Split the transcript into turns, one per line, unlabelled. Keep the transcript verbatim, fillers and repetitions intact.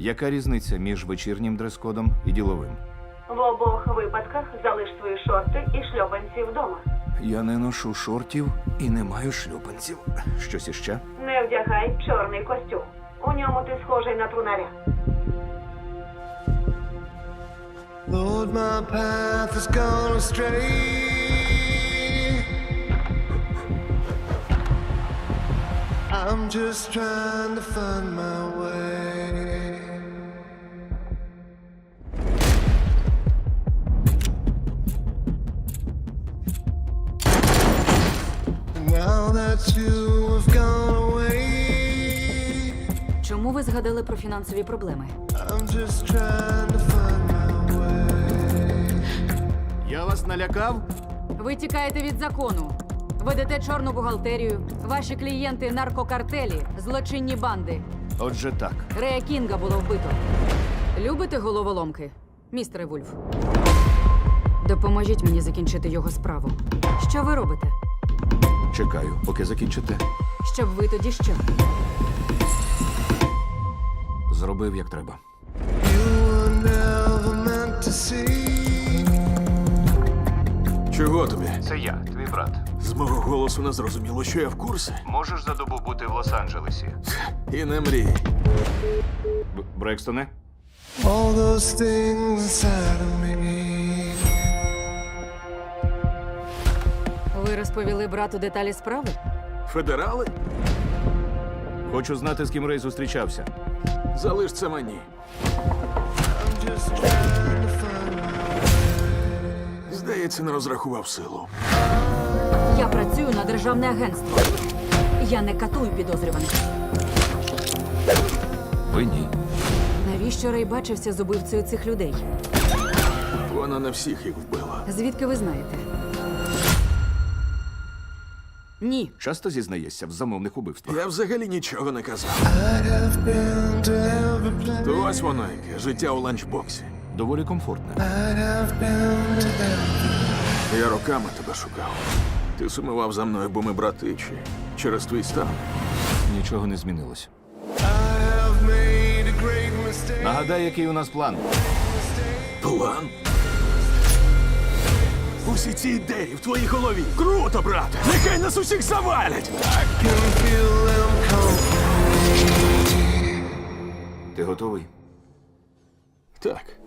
Яка різниця між вечірнім дрес-кодом і діловим?
В обох випадках залиш свої шорти і шльопанці вдома.
Я не ношу шортів і не маю шлюпанців. Щось іще?
Не вдягай чорний костюм. У ньому ти схожий на трунаря.
Lord, my path has gone astray. I'm just trying to find my way. Now that you have gone away,
Чому ви згадали про фінансові проблеми?
I'm just trying to find my way.
Я вас налякав?
Ви тікаєте від закону. Ведете чорну бухгалтерію. Ваші клієнти – наркокартелі, злочинні банди.
Отже так.
Рея Кінга було вбито. Любите головоломки, містере Вульф? Допоможіть мені закінчити його справу. Що ви робите?
Чекаю, поки закінчите.
Щоб ви тоді що?
Зробив, як треба.
You were never meant to see.
Чого тобі?
Це я, твій брат.
З мого голосу не зрозуміло, що я в курсі.
Можеш за добу бути в Лос-Анджелесі?
І не мрій.
Б- Брекстоне?
All those things inside of me.
Ви розповіли брату деталі справи?
Федерали?
Хочу знати, з ким Рей зустрічався.
Залиш це мені.
I'm just trying to find my
Здається, не розрахував силу.
Я працюю на державне агентство. Я не катую підозрюваних.
Ви ні.
Навіщо Рей бачився з убивцею цих людей?
Вона не всіх їх вбила.
Звідки ви знаєте? Ні.
Часто зізнаєшся в замовних убивствах?
Я взагалі нічого не казав.
I have been to every place.
То ось воно яке, життя у ланчбоксі.
Доволі комфортне.
I have been to every.
Я роками тебе шукав. Ти сумував за мною, бо ми брати, чи через твій стан.
Нічого не змінилось.
I have made a great mistake.
Нагадай, який у нас план.
План? Усі ці ідеї в твоїй голові. Круто, брате! Нехай нас усіх завалять!
I can feel them come.
Ти готовий?
Так.